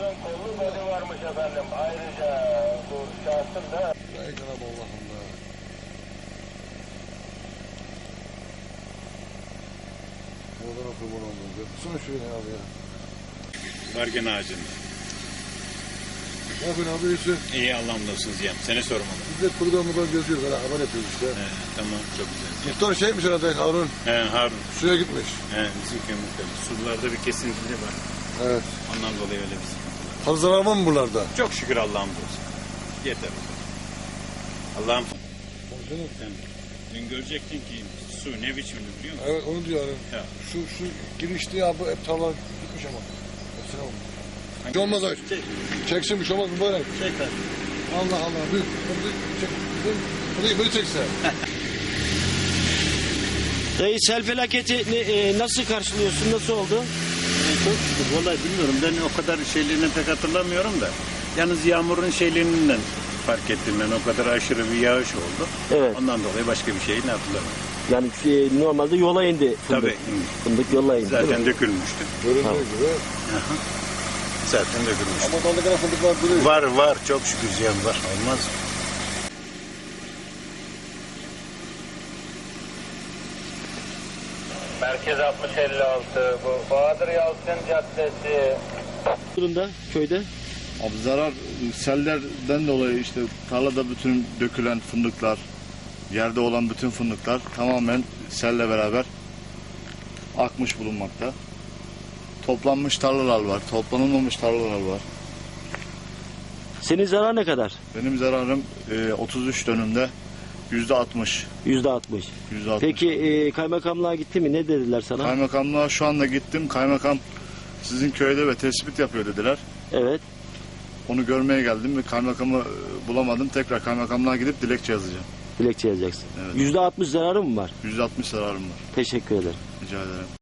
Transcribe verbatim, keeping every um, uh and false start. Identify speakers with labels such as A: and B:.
A: uzun kollu body varmış efendim. Ayrıca bu şahsın da...
B: Ey Cenab-ı Allah'ım be. Oradan kurban oldum. Son şöyle abi ya.
C: Vargen ağacında.
B: Ne yapıyorsun abi, iyisin?
C: İyi, Allah'ım da olsun diyeyim. Seni sormalı.
B: Biz de programda geziyoruz. Böyle haber yapıyoruz işte.
C: He, tamam, çok güzel.
B: Muhtar şeymiş herhalde, Harun.
C: He, Harun.
B: Suya gitmiş.
C: He, bizim köyümüzde. Sularda bir kesintili var.
B: Evet.
C: Ondan dolayı öyle bir sıkıntı var.
B: Fazla zarar var mı buralarda?
C: Çok şükür Allah'ım da olsun. Yeter. Allah'ım. Sen dün görecektin ki su ne biçimli biliyor musun?
B: Evet, onu diyor yani.
C: Ya.
B: Şu, şu girişti ya, bu hep tarlalar gitmiş ama. Hepsine bak. Bir şey olmaz abi.
C: Çek.
B: Çeksin, bir şey olmaz mübarek.
C: Çek hadi.
B: Allah Allah. Büyük. Çek. Burayı böyle çekse.
D: Dayı, sel felaketi ne, e, nasıl karşılıyorsun? Nasıl oldu?
E: Çok şükür. Vallahi bilmiyorum. Ben o kadar şeylerini pek hatırlamıyorum da. Yalnız yağmurun şeylerinden fark ettim ben. O kadar aşırı bir yağış oldu.
D: Evet.
E: Ondan dolayı başka bir şeyini hatırlamıyorum.
D: Yani e, normalde yola indi fındık.
E: Tabii.
D: Fındık yola indi. değil
E: Zaten
D: mi?
E: dökülmüştü.
B: Göründüğü
D: Tamam.
B: gibi.
E: Aha. Zaten dökülmüştü.
B: Ama dalda kadar fındık var duruyor.
E: Var var. Çok şükür ziyan var. Olmaz mı?
A: Merkez altmış elli altı. Bu Bahadır Yalçın Caddesi.
D: Durumda köyde.
F: Abi zarar sellerden dolayı işte tarlada bütün dökülen fındıklar, yerde olan bütün fındıklar tamamen selle beraber akmış bulunmakta. Toplanmış tarlalar var, toplanılmamış tarlalar var.
D: Senin zarar ne kadar?
F: Benim zararım e, otuz üç dönümde yüzde altmış.
D: Yüzde altmış.
F: yüzde altmış.
D: Peki e, kaymakamlığa gitti mi? Ne dediler sana?
F: Kaymakamlığa şu anda gittim. Kaymakam sizin köyde ve tespit yapıyor dediler.
D: Evet.
F: Onu görmeye geldim ve kaymakamı e, bulamadım. Tekrar kaymakamlığa gidip dilekçe yazacağım.
D: Dilekçe yazacaksın.
F: Evet.
D: Yüzde altmış zararı mı var?
F: yüzde altmış zararım var.
D: Teşekkür ederim.
F: Rica ederim.